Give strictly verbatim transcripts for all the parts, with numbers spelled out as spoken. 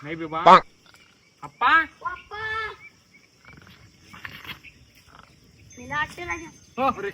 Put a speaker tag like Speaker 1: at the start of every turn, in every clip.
Speaker 1: नाही बाबा. अप्पा
Speaker 2: अरे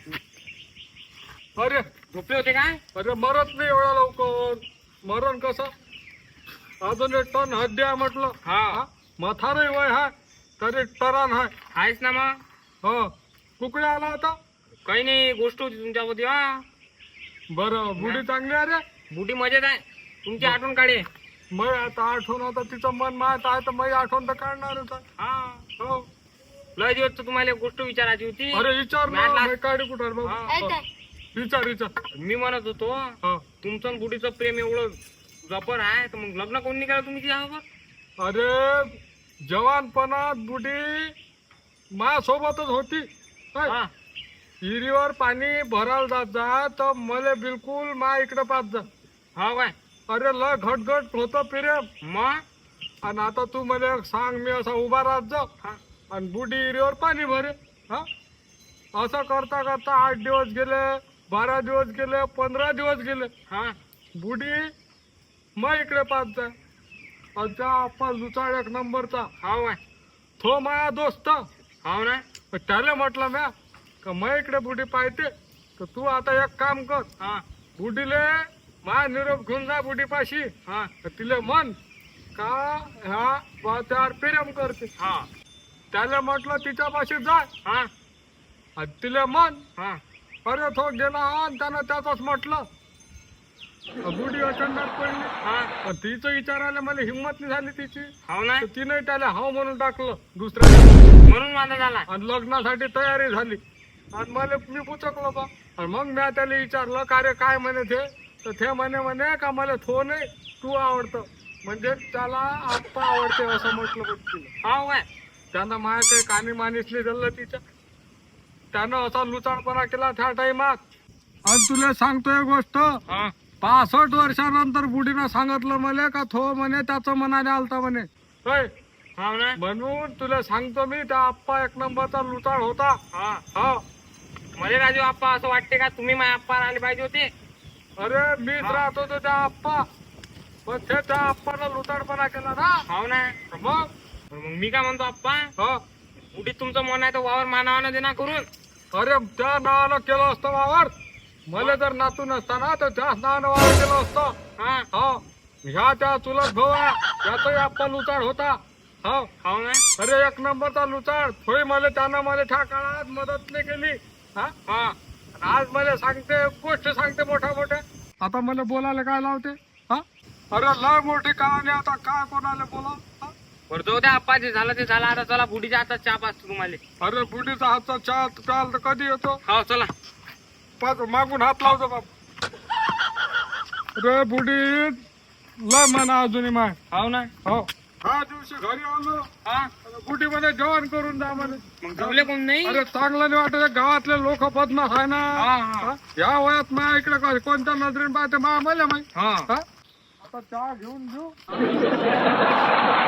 Speaker 2: अरे
Speaker 1: झोपले होते काय?
Speaker 2: अरे मरत नाही एवढा लवकर. मरण कसं अजून एक टन हद्या म्हटलं.
Speaker 1: हा
Speaker 2: मथारे वय हाय तरी टरान हाय.
Speaker 1: आहेच ना मग.
Speaker 2: हो कुकडे आला होता.
Speaker 1: काही नाही, गोष्ट होती तुमच्यामध्ये. हा
Speaker 2: बरं बुडी चांगली आहे रे.
Speaker 1: बुटी मजेत आहे. तुमची आठवण काढे.
Speaker 2: मग आता आठवण आता तिचं मन माहित आहे तर मग आठवण तर काढणारच आहे.
Speaker 1: हा
Speaker 2: हो
Speaker 1: लय दिवस तर तुम्हाला एक गोष्ट विचारायची होती.
Speaker 2: अरे विचार ना,
Speaker 1: मॅडला-
Speaker 2: मी काढी कुठं
Speaker 1: हा.
Speaker 2: बाबा. विचार विचार.
Speaker 1: मी म्हणत होतो
Speaker 2: हा
Speaker 1: तुमचं आणि बुटीचं प्रेम एवढं जबर आहे तर मग लग्न कोणी केलं तुम्ही तिच्याबरोबर?
Speaker 2: अरे जवानपणात बुडी माझ्यासोबतच होती. काय?
Speaker 1: हा
Speaker 2: विहिरीवर पाणी भरायला जात जा तर मला बिलकुल मा इकडे पाच जा.
Speaker 1: हो काय?
Speaker 2: अरे ल घटघट होतं प्रेम.
Speaker 1: मग
Speaker 2: आणि आता तू मला एक सांग, मी असा उभा राहत जा
Speaker 1: हा
Speaker 2: आणि बुडी विहिरीवर पाणी भरे. हा असं करता करता आठ दिवस गेले, बारा दिवस गेले, पंधरा दिवस गेले.
Speaker 1: हा
Speaker 2: बुडी मग इकडे पाच जा. अच्छा आपण लुचाड एक नंबरचा
Speaker 1: हो काय?
Speaker 2: तो माझा दोस्त.
Speaker 1: हो ना.
Speaker 2: त्याला म्हटलं म्या का मग इकडे बुडी पाहते तर तू आता एक काम कर,
Speaker 1: हा
Speaker 2: बुडीले मा निरोप घेऊन जा बुडी पाशी.
Speaker 1: हा
Speaker 2: तिले म्हण का ह्या बा त्यावर प्रेम करते.
Speaker 1: हा
Speaker 2: त्याला म्हटलं तिच्यापाशी जाय
Speaker 1: हा
Speaker 2: आणि तिले म्हण.
Speaker 1: हा
Speaker 2: अरे तो गेला आणि त्यानं त्याच म्हटलं. बुडी अचंडात पडली.
Speaker 1: हा
Speaker 2: पण तिचं विचारायला मला हिंमत नाही झाली तिची.
Speaker 1: हो ना.
Speaker 2: तर तिने त्याला हाव म्हणून टाकलं दुसऱ्या.
Speaker 1: म्हणून माझा झाला.
Speaker 2: आणि लग्नासाठी तयारी झाली आणि मला मी पुचकलो बा. आणि मग मी त्याला विचारलं का रे काय म्हणे ते. तर ते म्हणे म्हणे का मला थो नाही तू आवडतं, म्हणजे त्याला आप्पा आवडते असं म्हटलं बघ तिला.
Speaker 1: हो काय?
Speaker 2: त्यानं माया काही कानी मानिसली झालं तिच्या. त्यानं असा लुचाडपणा केला त्या टाइमात. आणि तुला सांगतोय गोष्ट,
Speaker 1: हा
Speaker 2: पासष्ट वर्षानंतर बुडीनं सांगितलं मला का थो म्हणे त्याचं मनाने आलता म्हणे. होय
Speaker 1: हो ना.
Speaker 2: म्हणून तुला सांगतो मी त्या आप्पा एक नंबरचा लुचाड होता.
Speaker 1: हा
Speaker 2: हा
Speaker 1: मला राजू आप्पा असं वाटते का तुम्ही माझ्या आप्पा आले पाहिजे होते?
Speaker 2: अरे मीच
Speaker 1: हा.
Speaker 2: राहत होतो त्या आप्पा, पण ते त्या आप्पानं लुटाडपणा केला ना.
Speaker 1: हो ना.
Speaker 2: मग
Speaker 1: मग मी काय म्हणतो आप्पा,
Speaker 2: हा
Speaker 1: बुटीत तुमचं मन आहे तर वावर मानावानं देना करून.
Speaker 2: अरे त्या नावानं केलं असतं वावर. मला जर नातू नसता ना तर त्याच नावानं वावर केलं असतं.
Speaker 1: हा
Speaker 2: हा ह्या त्या चुलत भाऊ आहे त्याचाही आप्पा लुचाड होता. हा
Speaker 1: हो ना.
Speaker 2: अरे एक नंबरचा लुचाड. थोडी मला त्यानं मला त्या काळात मदत नाही केली. हा
Speaker 1: हा
Speaker 2: आज मला सांगते गोष्ट सांगते मोठ्या मोठ्या. आता मला बोलायला काय लावते. हा अरे लय मोठी कहाणी. आता काय कोणाला बोला. हा?
Speaker 1: बरं जाऊ द्या आप्पा, जे झालं ते झालं. आता चला बुटीच्या हातात चहा पाचतो तुम्हाला.
Speaker 2: अरे बुडीचा हातचा चहा प्याल तर कधी येतो.
Speaker 1: हो चला.
Speaker 2: पाच मागून हात लावतो बाप. अरे बुडी लय म्हणा अजूनही माय.
Speaker 1: हो ना.
Speaker 2: हो हा दिवशी घरी आलो
Speaker 1: हा
Speaker 2: बुटी मध्ये जेवण करून जा म्हणे.
Speaker 1: मग जेवले कोण नाही?
Speaker 2: अरे चांगलं नाही वाटत. गावातले लोक बदमाश आहे ना.
Speaker 1: हा हा
Speaker 2: हा? या वयात मा इकडे काय कोणत्या नजरेने पाहते मा मला माहित.
Speaker 1: हा
Speaker 2: हा आता चहा घेऊन घेऊ.